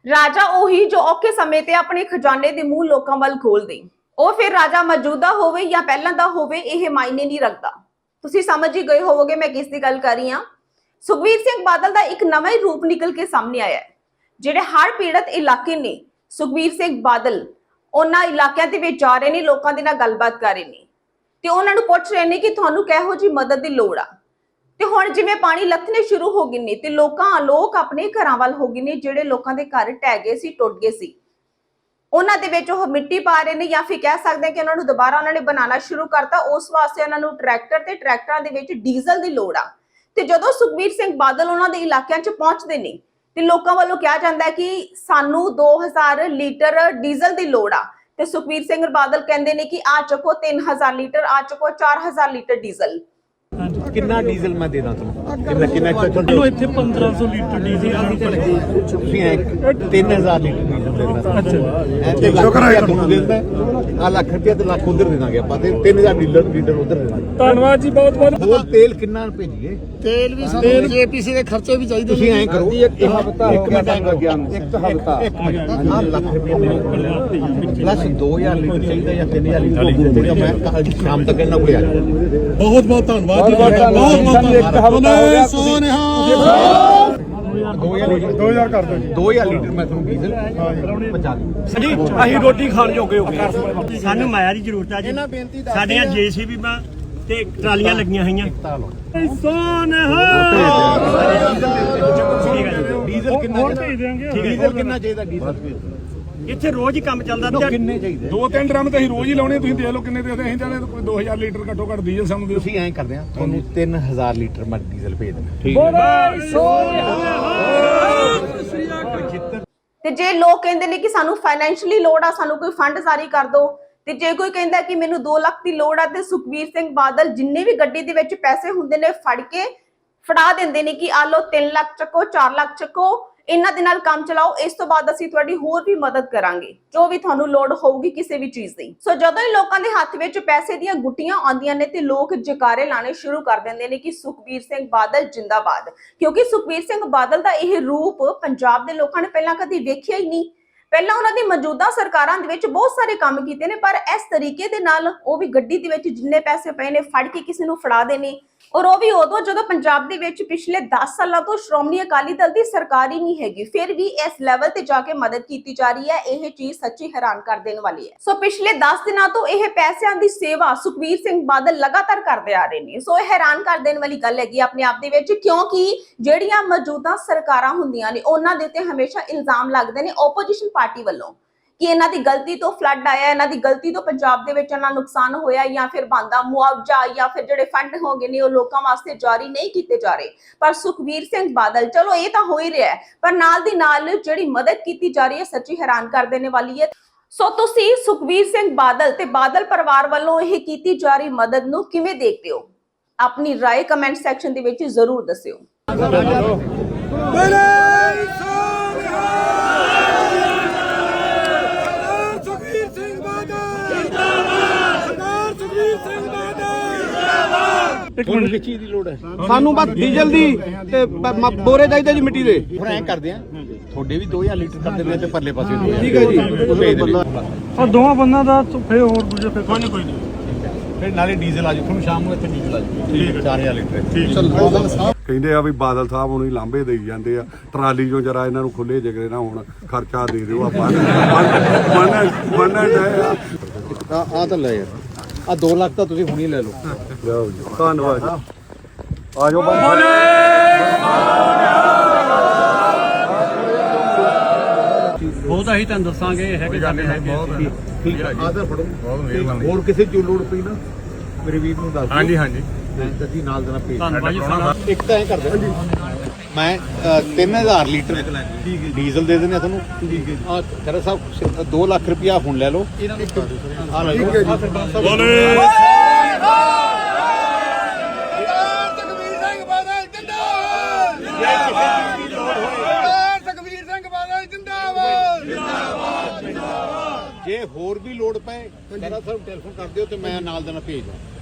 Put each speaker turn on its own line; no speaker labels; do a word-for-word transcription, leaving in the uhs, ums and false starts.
ਰਾਜਾ ਉਹੀ ਜੋ ਔਖੇ ਸਮੇਂ ਤੇ ਆਪਣੇ ਖਜ਼ਾਨੇ ਦੇ ਮੂੰਹ ਲੋਕਾਂ ਵੱਲ ਖੋਲ ਦੇ। ਉਹ ਫਿਰ ਰਾਜਾ ਮੌਜੂਦਾ ਹੋਵੇ ਜਾਂ ਪਹਿਲਾਂ ਦਾ ਹੋਵੇ, ਇਹ ਮਾਇਨੇ ਨਹੀਂ ਰੱਖਦਾ। ਤੁਸੀਂ ਸਮਝ ਹੀ ਗਏ ਹੋਵੋਗੇ ਮੈਂ ਕਿਸ ਦੀ ਗੱਲ ਕਰ ਰਹੀ ਹਾਂ। ਸੁਖਬੀਰ ਸਿੰਘ ਬਾਦਲ ਦਾ ਇੱਕ ਨਵਾਂ ਹੀ ਰੂਪ ਨਿਕਲ ਕੇ ਸਾਹਮਣੇ ਆਇਆ ਹੈ। ਜਿਹੜੇ ਹੜ੍ਹ ਪੀੜਤ ਇਲਾਕੇ ਨੇ, ਸੁਖਬੀਰ ਸਿੰਘ ਬਾਦਲ ਉਹਨਾਂ ਇਲਾਕਿਆਂ ਦੇ ਵਿੱਚ ਜਾ ਰਹੇ ਨੇ, ਲੋਕਾਂ ਦੇ ਨਾਲ ਗੱਲਬਾਤ ਕਰ ਰਹੇ ਨੇ ਤੇ ਉਹਨਾਂ ਨੂੰ ਪੁੱਛ ਰਹੇ ਨੇ ਕਿ ਤੁਹਾਨੂੰ ਕਿਹੋ ਜਿਹੀ ਮਦਦ ਦੀ ਲੋੜ ਆ। ਤੇ ਹੁਣ ਜਿਵੇਂ ਪਾਣੀ ਲੱਥਣੇ ਸ਼ੁਰੂ ਹੋ ਗਏ ਨੇ ਤੇ ਲੋਕਾਂ ਲੋਕ ਆਪਣੇ ਘਰਾਂ ਵੱਲ ਹੋ ਗਏ ਨੇ। ਜਿਹੜੇ ਲੋਕਾਂ ਦੇ ਘਰ ਢਹਿ ਗਏ ਸੀ, ਟੁੱਟ ਗਏ ਸੀ, ਉਹਨਾਂ ਦੇ ਵਿੱਚ ਉਹ ਮਿੱਟੀ ਪਾ ਰਹੇ ਨੇ, ਜਾਂ ਫਿਰ ਕਹਿ ਸਕਦੇ ਕਿ ਉਹਨਾਂ ਨੂੰ ਦੁਬਾਰਾ ਉਹਨਾਂ ਨੇ ਬਣਾਉਣਾ ਸ਼ੁਰੂ ਕਰਤਾ। ਉਸ ਵਾਸਤੇ ਉਹਨਾਂ ਨੂੰ ਟਰੈਕਟਰ ਤੇ ਟਰੈਕਟਰਾਂ ਦੇ ਵਿੱਚ ਡੀਜ਼ਲ ਦੀ ਲੋੜ ਆ। ਤੇ ਜਦੋਂ ਸੁਖਬੀਰ ਸਿੰਘ ਬਾਦਲ ਉਹਨਾਂ ਦੇ ਇਲਾਕਿਆਂ 'ਚ ਪਹੁੰਚਦੇ ਨੇ ਤੇ ਲੋਕਾਂ ਵੱਲੋਂ ਕਿਹਾ ਜਾਂਦਾ ਹੈ ਕਿ ਸਾਨੂੰ ਦੋ ਹਜ਼ਾਰ ਲੀਟਰ ਡੀਜ਼ਲ ਦੀ ਲੋੜ ਆ। ਤੇ ਸੁਖਬੀਰ ਸਿੰਘ ਬਾਦਲ ਕਹਿੰਦੇ ਨੇ ਕਿ ਆ ਚੱਕੋ ਤਿੰਨ ਹਜ਼ਾਰ ਲੀਟਰ, ਆ ਚੱਕੋ ਚਾਰ ਹਜ਼ਾਰ ਲੀਟਰ ਡੀਜ਼ਲ।
ਕਿੰਨਾ ਡੀਜ਼ਲ ਮੈਂ ਦੇ ਦਾਂ ਤੁਹਾਨੂੰ? ਕਿੰਨਾ ਕਿੰਨਾ
ਤੁਹਾਨੂੰ ਇੱਥੇ ਪੰਦਰਾਂ ਸੌ ਲੀਟਰ ਡੀਜ਼ਲ ਆਹੀ ਤੇ ਲੱਗੀ।
ਤੁਸੀਂ ਤਿੰਨ ਹਜ਼ਾਰ ਲੀਟਰ ਡੀਜ਼ਲ ਦੇ ਦੇਣਾ।
ਅੱਛਾ
ਤੇ ਸ਼ੁਕਰ ਹੈ ਤੁਹਾਨੂੰ ਦੇ ਦਿੰਦਾ। ਆ ਲੱਖ ਰੁਪਏ ਤੇ ਲੱਖ ਉਧਰ ਦੇ ਦਾਂਗੇ ਆਪਾਂ, ਤੇ ਤਿੰਨ ਹਜ਼ਾਰ ਲੀਟਰ ਲੀਟਰ ਉਧਰ ਦੇ ਦਾਂਗੇ।
ਧੰਨਵਾਦ ਜੀ, ਬਹੁਤ ਬਹੁਤ।
ਹੋਰ ਤੇਲ ਕਿੰਨਾ ਭੇਜੀਏ?
ਤੇਲ ਵੀ ਸਾਨੂੰ ਜੇਪੀਸੀ ਦੇ ਖਰਚੇ ਵੀ ਚਾਹੀਦੇ।
ਤੁਸੀਂ ਐਂ ਕਰੋ,
ਇੱਕ ਹਫ਼ਤਾ ਹੋ ਗਿਆ ਟਾਈਮ ਲੱਗਿਆ ਨੂੰ। ਇੱਕ ਹਫ਼ਤਾ
ਇੱਕ ਮਿੰਟ, ਆ ਲੱਖ ਰੁਪਏ ਪਲੱਸ ਦੋ ਹਜ਼ਾਰ ਲੀਟਰ ਚਾਹੀਦਾ ਜਾਂ ਤਿੰਨ ਹਜ਼ਾਰ ਲੀਟਰ। ਮੈਂ ਕੱਲ ਸ਼ਾਮ ਤੱਕ ਇਹਨਾਂ ਕੋਲ ਆ ਜਾਊਂਗਾ।
ਬਹੁਤ ਬਹੁਤ ਧੰਨਵਾਦ ਜੀ ਤੁਹਾਡਾ, ਬਹੁਤ ਬਹੁਤ ਧੰਨਵਾਦ। ਸੋਨਿਹਾ
ਦੋ ਹਜ਼ਾਰ ਕਰ ਦਿਓ ਜੀ। ਦੋ ਹਜ਼ਾਰ ਲੀਟਰ ਮੈਂ ਤੁਹਾਨੂੰ ਡੀਜ਼ਲ ਪਹੁੰਚਾ ਦੂੰ
ਜੀ। ਅਸੀਂ ਰੋਟੀ ਖਾਣ ਜੋਗੇ ਹੋ ਗਏ। ਸਾਨੂੰ ਮਾਇਆ ਦੀ ਜ਼ਰੂਰਤ ਆ ਜੀ। ਸਾਡੀਆਂ ਜੇਸੀਬੀ ਮਾਂ ਤੇ ਟਰਾਲੀਆਂ ਲੱਗੀਆਂ ਹੋਈਆਂ। ਸੋਨਿਹਾ
ਡੀਜ਼ਲ ਕਿੰਨਾ ਡੀਜ਼ਲ ਕਿੰਨਾ ਚਾਹੀਦਾ? ਡੀਜ਼ਲ
ਇੱਥੇ ਰੋਜ਼ ਹੀ ਕੰਮ ਚੱਲਦਾ।
ਕਿੰਨੇ ਚਾਹੀਦੇ?
ਦੋ ਤਿੰਨ ਡਰਮ ਤਾਂ ਅਸੀਂ ਰੋਜ਼ ਹੀ ਲਾਉਣੇ। ਤੁਸੀਂ ਦੇਖ ਲਓ ਕਿੰਨੇ ਦੇ ਅਸੀਂ ਚਾਹਦੇ ਕੋਈ ਦੋ ਹਜ਼ਾਰ ਲੀਟਰ ਘੱਟੋ ਘੱਟ ਡੀਜ਼ਲ ਸਾਨੂੰ ਦਿਓ।
ਤੁਸੀਂ ਐਂ ਕਰਦੇ ਆ, ਤੁਹਾਨੂੰ ਤਿੰਨ ਹਜ਼ਾਰ ਲੀਟਰ ਮੈਂ ਡੀਜ਼ਲ ਭੇਜ ਦੇਣਾ।
ਤੇ ਜੇ ਲੋਕ ਕਹਿੰਦੇ ਨੇ ਕਿ ਸਾਨੂੰ ਫਾਈਨੈਂਸ਼ੀਅਲੀ ਲੋੜ ਆ, ਸਾਨੂੰ ਕੋਈ ਫੰਡ ਜਾਰੀ ਕਰ ਦਿਓ, ਤੇ ਜੇ ਕੋਈ ਕਹਿੰਦਾ ਕਿ ਮੈਨੂੰ ਦੋ ਲੱਖ ਦੀ ਲੋੜ ਆ, ਤੇ ਸੁਖਬੀਰ ਸਿੰਘ ਬਾਦਲ ਜਿੰਨੇ ਵੀ ਗੱਡੀ ਦੇ ਵਿੱਚ ਪੈਸੇ ਹੁੰਦੇ ਨੇ ਫੜ ਕੇ ਫੜਾ ਦਿੰਦੇ ਨੇ ਕਿ ਆ ਲਓ ਤਿੰਨ ਲੱਖ ਚੱਕੋ, ਚਾਰ ਲੱਖ ਚੱਕੋ, ਇਹਨਾਂ ਦੇ ਨਾਲ ਕੰਮ ਚਲਾਓ। ਇਸ ਤੋਂ ਬਾਅਦ ਅਸੀਂ ਤੁਹਾਡੀ ਹੋਰ ਵੀ ਮਦਦ ਕਰਾਂਗੇ, ਜੋ ਵੀ ਤੁਹਾਨੂੰ ਲੋੜ ਹੋਊਗੀ ਕਿਸੇ ਵੀ ਚੀਜ਼ ਦੀ। ਸੋ ਜਦੋਂ ਹੀ ਲੋਕਾਂ ਦੇ ਹੱਥ ਵਿੱਚ ਪੈਸੇ ਦੀਆਂ ਗੁੱਟੀਆਂ ਆਉਂਦੀਆਂ ਨੇ ਤੇ ਲੋਕ ਜਕਾਰੇ ਲਾਣੇ ਸ਼ੁਰੂ ਕਰ ਦਿੰਦੇ ਨੇ ਕਿ ਸੁਖਬੀਰ ਸਿੰਘ ਬਾਦਲ ਜਿੰਦਾਬਾਦ। ਕਿਉਂਕਿ ਸੁਖਬੀਰ ਸਿੰਘ ਬਾਦਲ ਦਾ ਇਹ ਰੂਪ ਪੰਜਾਬ ਦੇ ਲੋਕਾਂ ਨੇ ਪਹਿਲਾਂ ਕਦੀ ਵੇਖਿਆ ਹੀ ਨਹੀਂ। ਪਹਿਲਾਂ ਉਹਨਾਂ ਦੀ ਮੌਜੂਦਾ ਸਰਕਾਰਾਂ ਦੇ ਵਿੱਚ ਬਹੁਤ ਸਾਰੇ ਕੰਮ ਕੀਤੇ ਨੇ, ਪਰ ਇਸ ਤਰੀਕੇ ਦੇ ਨਾਲ ਉਹ ਵੀ ਗੱਡੀ ਦੇ ਵਿੱਚ ਜਿੰਨੇ ਪੈਸੇ ਪਏ ਨੇ ਫੜ ਕੇ ਕਿਸੇ ਨੂੰ ਫੜਾ ਦੇਣੇ, ਔਰ ਉਹ ਵੀ ਉਦੋਂ ਜਦੋਂ ਪੰਜਾਬ ਦੇ ਵਿੱਚ ਪਿਛਲੇ ਦਸ ਸਾਲਾਂ ਤੋਂ ਸ਼੍ਰੋਮਣੀ ਅਕਾਲੀ ਦਲ ਦੀ ਸਰਕਾਰ ਹੀ ਨਹੀਂ ਹੈਗੀ, ਫਿਰ ਵੀ ਇਸ ਲੈਵਲ ਤੇ ਜਾ ਕੇ ਮਦਦ ਕੀਤੀ ਜਾ ਰਹੀ ਹੈ। ਇਹ ਚੀਜ਼ ਸੱਚੀ ਹੈਰਾਨ ਕਰ ਦੇਣ ਵਾਲੀ ਹੈ। ਸੋ ਪਿਛਲੇ ਦਸ ਦਿਨਾਂ ਤੋਂ ਇਹ ਪੈਸਿਆਂ ਦੀ ਸੇਵਾ ਸੁਖਬੀਰ ਸਿੰਘ ਬਾਦਲ ਲਗਾਤਾਰ ਕਰਦੇ ਆ ਰਹੇ ਨੇ। ਸੋ ਇਹ ਹੈਰਾਨ ਕਰ ਦੇਣ ਵਾਲੀ ਗੱਲ ਹੈਗੀ ਆਪਣੇ ਆਪ ਦੇ ਵਿੱਚ, ਕਿਉਂਕਿ ਜਿਹੜੀਆਂ ਮੌਜੂਦਾ ਸਰਕਾਰਾਂ ਹੁੰਦੀਆਂ ਨੇ ਉਹਨਾਂ ਦੇ ਉੱਤੇ ਹਮੇਸ਼ਾ ਇਲਜ਼ਾਮ ਲੱਗਦੇ ਨੇ ਓਪੋਜੀਸ਼ਨ ਪਾਰਟੀ ਵੱਲੋਂ ਕਿ ਇਹਨਾਂ ਦੀ ਗਲਤੀ ਤੋਂ ਫਲੱਡ ਆਇਆ, ਇਹਨਾਂ ਦੀ ਗਲਤੀ ਤੋਂ ਪੰਜਾਬ ਦੇ ਵਿੱਚ ਇਹਨਾਂ ਨੁਕਸਾਨ ਹੋਇਆ, ਜਾਂ ਫਿਰ ਬਣਦਾ ਮੁਆਵਜ਼ਾ ਜਾਂ ਫਿਰ ਜਿਹੜੇ ਫੰਡ ਹੋ ਗਏ ਨੇ ਉਹ ਲੋਕਾਂ ਵਾਸਤੇ ਜਾਰੀ ਨਹੀਂ ਕੀਤੇ ਜਾ ਰਹੇ। ਪਰ ਸੁਖਬੀਰ ਸਿੰਘ ਬਾਦਲ, ਚਲੋ ਇਹ ਤਾਂ ਹੋ ਹੀ ਰਿਹਾ ਹੈ, ਪਰ ਨਾਲ ਦੀ ਨਾਲ ਜਿਹੜੀ ਮਦਦ ਕੀਤੀ ਜਾ ਰਹੀ ਹੈ ਸੱਚੀ ਹੈਰਾਨ ਕਰ ਦੇਣ ਵਾਲੀ ਹੈ। ਸੋ ਤੁਸੀਂ ਸੁਖਬੀਰ ਸਿੰਘ ਬਾਦਲ ਤੇ ਬਾਦਲ ਪਰਿਵਾਰ ਵੱਲੋਂ ਇਹ ਕੀਤੀ ਜਾ ਰਹੀ ਮਦਦ ਨੂੰ ਕਿਵੇਂ ਦੇਖਦੇ ਹੋ? ਆਪਣੀ ਰਾਏ ਕਮੈਂਟ ਸੈਕਸ਼ਨ ਦੇ ਵਿੱਚ ਜ਼ਰੂਰ ਦੱਸਿਓ।
ਤੁਹਾਨੂੰ ਕਿਸ ਚੀਜ਼ ਦੀ ਲੋੜ ਹੈ?
ਸਾਨੂੰ ਬਸ ਡੀਜ਼ਲ ਦੀ ਤੇ ਬੋਰੇ ਚਾਹੀਦੇ ਜੀ ਮਿੱਟੀ ਦੇ।
ਫਿਰ ਐਂ ਕਰਦੇ ਆ, ਤੁਹਾਡੇ ਵੀ ਦੋ ਹਜ਼ਾਰ ਲੀਟਰ ਕਰ ਦਿੰਦੇ ਤੇ ਪਰਲੇ ਪਾਸੇ ਦੋ ਹਜ਼ਾਰ।
ਠੀਕ ਹੈ ਜੀ।
ਉਹ ਭੇਜ ਦਿਓ।
ਆ ਦੋਵਾਂ ਬੰਨਾਂ ਦਾ ਫੇਰ ਹੋਰ ਦੂਜੇ ਫੇਰ ਕੋਈ ਨਹੀਂ ਕੋਈ ਨਹੀਂ।
ਫਿਰ ਨਾਲੇ ਡੀਜ਼ਲ ਆ ਜਾਊ ਤੁਹਾਨੂੰ ਸ਼ਾਮ ਨੂੰ ਇੱਥੇ ਡੀਜ਼ਲ ਆ ਜਾਊ ਚਾਰ ਹਜ਼ਾਰ ਲੀਟਰ।
ਕਹਿੰਦੇ ਆ ਵੀ ਬਾਦਲ ਸਾਹਿਬ ਹੁਣ ਹੀ ਲਾਂਭੇ ਦੇਈ ਜਾਂਦੇ ਆ, ਟਰਾਲੀ ਚੋਂ ਜਰਾ ਇਹਨਾਂ ਨੂੰ ਖੁੱਲੇ ਜਗਰੇ ਨਾ ਹੁਣ ਖਰਚਾ ਦੇ ਦਿਓ ਆਪਾਂ ਮੰਨ ਮੰਨ
ਆ ਆ ਤਾਂ ਲੈ ਯਾਰ, ਆ ਦੋ ਲੱਖ ਤਾਂ ਤੁਸੀਂ ਹੁਣੀ ਲੈ ਲਓ।
ਜਾਓ ਜੀ, ਧੰਨਵਾਦ ਜੀ। ਆ ਜਾਓ
ਬਹੁਤ ਅਸੀਂ ਤੁਹਾਨੂੰ ਦੱਸਾਂਗੇ ਹੈਗੇ ਸਾਡੇ ਹੈਗੇ।
ਠੀਕ ਹੈ, ਆ ਤਾਂ ਫੜੋ। ਹੋਰ ਕਿਸੇ ਚੀਜ਼ ਲੋੜ ਪਈ ਨਾ ਮੇਰੇ ਵੀਰ ਨੂੰ ਦੱਸ ਦਿਓ। ਹਾਂਜੀ ਹਾਂਜੀ, ਮੈਂ ਜੀ ਨਾਲ ਦੇਣਾ ਭੇਜ।
ਧੰਨਵਾਦ ਜੀ ਸਾਡਾ।
ਇੱਕ ਤਾਂ ਐਂ ਕਰਦੇ ਮੈਂ ਤਿੰਨ ਹਜ਼ਾਰ ਲੀਟਰ ਡੀਜ਼ਲ ਦੇ ਦਿੰਦੇ ਆ ਤੁਹਾਨੂੰ। ਠੀਕ ਹੈ ਆ ਖਰਾ ਸਾਹਿਬ, ਦੋ ਲੱਖ ਰੁਪਇਆ ਹੁਣ ਲੈ ਲਓ। ਆ ਲੈ ਲਓ। ਜੇ ਹੋਰ ਵੀ ਲੋੜ ਪਏ ਖਰਾ ਸਾਹਿਬ ਟੈਲੀਫੋਨ ਕਰ ਦਿਓ ਤੇ ਮੈਂ ਨਾਲ ਦੇਣਾ ਭੇਜ ਦਾਂ।